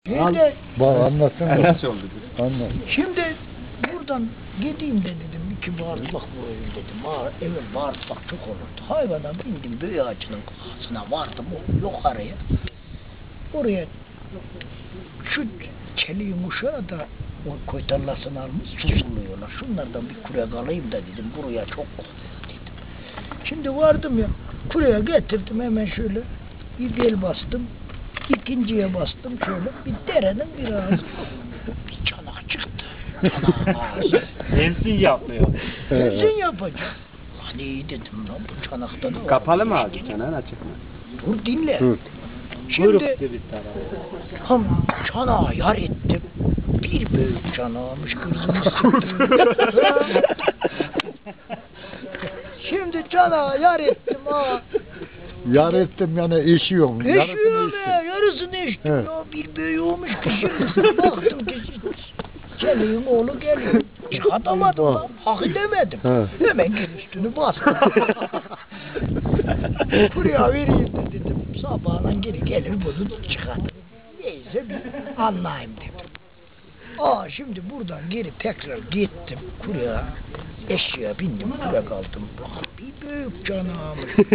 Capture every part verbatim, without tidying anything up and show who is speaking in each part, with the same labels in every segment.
Speaker 1: Şimdi,
Speaker 2: Bak anlatsın.
Speaker 3: Nasıl oldu?
Speaker 2: Anlat.
Speaker 1: şimdi buradan gideyim de dedim iki bağırtlak vurayım dedim. Bağır, eve bağırtlak çok olurdu. Hayvana bindim büyü ağacının kafasına vardım o yukarıya. Oraya şu çeliğin uşağı da o koy tarlasını almış susuluyorlar. Şunlardan bir kürek alayım da dedim. Buraya çok kokuyor dedim. Şimdi vardım ya kureye getirdim hemen şöyle bir bel bastım. İkinciye bastım şöyle bir derenin bir ağzı. Bir çanak çıktı. Çanağın ağzı.
Speaker 3: Ensin yapmıyor.
Speaker 1: Ensin yapacağım. Lan iyi dedim lan bu çanakta da var.
Speaker 3: Kapalı mı abi? Çanağın açık mı?
Speaker 1: Dur dinle.
Speaker 2: Dur.
Speaker 1: Şimdi tam çanağı yar ettim. Bir büyük çanağımış kızımız çıktı. Şimdi çanağı yar ettim ha.
Speaker 2: Yar ettim yani eşiyorum.
Speaker 1: Eşiyorum ya, yarısını eştim
Speaker 2: Evet.
Speaker 1: ya. Bir büyüğü olmuş ki şimdi baktım ki Çeliğin oğlu geliyor. Çıkartamadım lan, hak edemedim.
Speaker 2: Evet.
Speaker 1: Hemen gel üstünü bastım. Buraya vereyim de dedim. Sabahla geri gelir bunu çıkartırım. Neyse bir anlayayım dedim. Aa şimdi buradan geri tekrar gittim kurya. Eşeğe bindim kürek aldım. Bak bir büyük canağımış.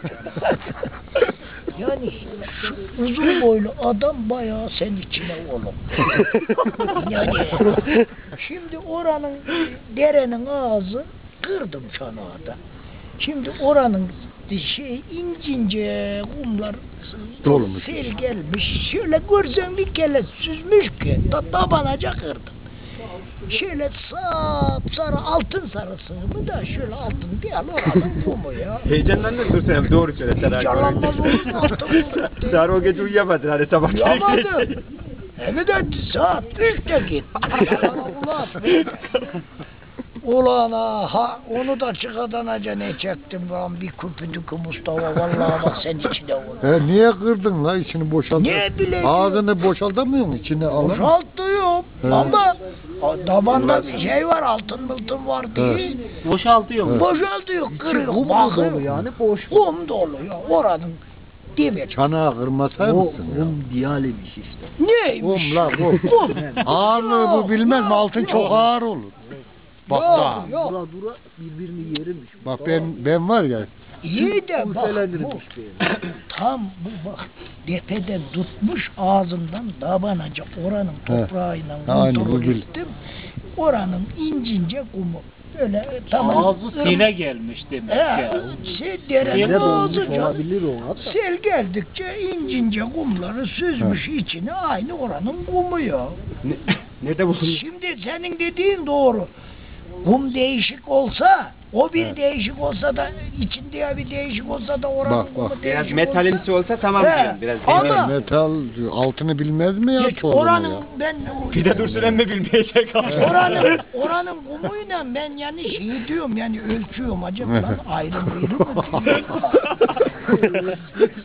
Speaker 1: Yani şu uzun boylu adam bayağı sen içine oğlum. Yani şimdi oranın derenin ağzı kırdım çanağı da. Şimdi oranın şey incince kumlar
Speaker 2: Dolmuş.
Speaker 1: sel gelmiş. Şöyle görsen bir kere süzmüş ki ta tabanaca kırdım. Şöyle sap sarı altın sarısı mı da şöyle altın değil oranın kumu ya.
Speaker 3: Heyecanlandın dur sen doğru söyle.
Speaker 1: Heyecanlanmaz olur mu altın kumu?
Speaker 3: Sen o gece uyuyamadın hani sabah.
Speaker 1: Uyuyamadım. Hem de saat üçte git. Ulan Ulan ha onu da çıkartanaca ne çektim lan bir küpüdük Mustafa vallahi bak sen içine olur.
Speaker 2: E niye kırdın la içini boşalt?
Speaker 1: Ne bileyim.
Speaker 2: Ağzını boşaltamıyor musun içine alın?
Speaker 1: Boşaltıyorum
Speaker 2: He.
Speaker 1: ama damanda bir şey var altın mıltın var diye.
Speaker 3: Boşaltıyor mu?
Speaker 1: Boşaltıyor kırıyor.
Speaker 2: Kum
Speaker 1: bakıyor.
Speaker 2: dolu yani boş.
Speaker 1: Kum dolu ya oranın dibi.
Speaker 2: Çanağı kırmasay mısın ya?
Speaker 4: diyalemiş işte.
Speaker 1: Neymiş?
Speaker 2: Kum la kum.
Speaker 1: Kum.
Speaker 2: Ağırlığı bu bilmez mi?
Speaker 1: Yok,
Speaker 2: Altın
Speaker 1: yok.
Speaker 2: çok ağır olur. Bak
Speaker 1: Yok,
Speaker 2: da.
Speaker 1: yok.
Speaker 4: Dura dura birbirini yerimiş.
Speaker 2: Bak ben ben var ya.
Speaker 1: İyi de bak bu,
Speaker 4: Urfelenirmiş
Speaker 1: tam bu bak tepeden tutmuş ağzından dabanaca oranın toprağıyla
Speaker 2: Ha, aynı
Speaker 1: kontrol
Speaker 2: bu bil.
Speaker 1: ettim. Oranın incince kumu böyle tamam.
Speaker 3: Ağzı sine gelmiş demek
Speaker 1: He,
Speaker 3: ya.
Speaker 1: şey derenin
Speaker 4: Ne dolmuş
Speaker 1: ağzı canım.
Speaker 4: olabilir o hatta.
Speaker 1: Sel geldikçe incince kumları süzmüş içine aynı oranın kumu ya.
Speaker 3: Ne, ne de bu?
Speaker 1: Şimdi senin dediğin doğru. Kum değişik olsa, o bir
Speaker 2: Evet.
Speaker 1: değişik olsa da içinde bir değişik olsa da oranın
Speaker 2: Bak,
Speaker 1: kumu
Speaker 2: bak.
Speaker 1: değişik
Speaker 3: Biraz metalimsi olsa tamam
Speaker 1: He,
Speaker 3: diyorum. Biraz
Speaker 1: ama-
Speaker 3: demir.
Speaker 2: Metal altını bilmez mi ya?
Speaker 1: Geç,
Speaker 2: sorunu
Speaker 1: oranın
Speaker 2: ya?
Speaker 1: ben
Speaker 3: Bir de Dursun emmi bilmeyecek abi.
Speaker 1: oranın oranın kumuyla ben yani şey diyorum yani ölçüyorum acaba lan ayrı ayrı mı diyorum.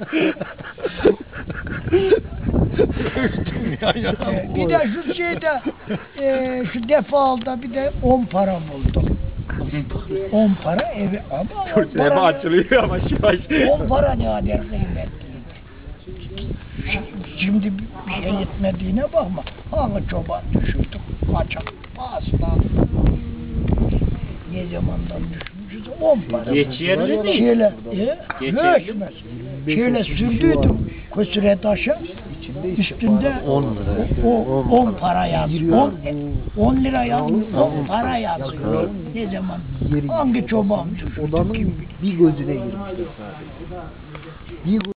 Speaker 1: Ee, bir de şu şeyde e, şu defalda bir de on para buldum. On para evi ama on
Speaker 3: Dursun emmi
Speaker 1: para,
Speaker 3: açılıyor ama yavaş.
Speaker 1: on para ne kadar kıymetliydi. Şimdi bir şey yetmediğine bakma. Hangi çoban düşürdük kaçak aslan. Ne zamandan düşmüşüz? On para.
Speaker 3: Geçerli değil.
Speaker 1: Şöyle, e,
Speaker 3: Geçerli.
Speaker 1: geçmez. Şöyle sürdüydüm kösüre taşa. Üstünde
Speaker 2: on lira.
Speaker 1: o on para yazıyor. on, on lira yazıyor. on para yazıyor. Ne zaman? Hangi çoban düşürdük?
Speaker 4: Odanın bir gözüne girmişler sadece. Bir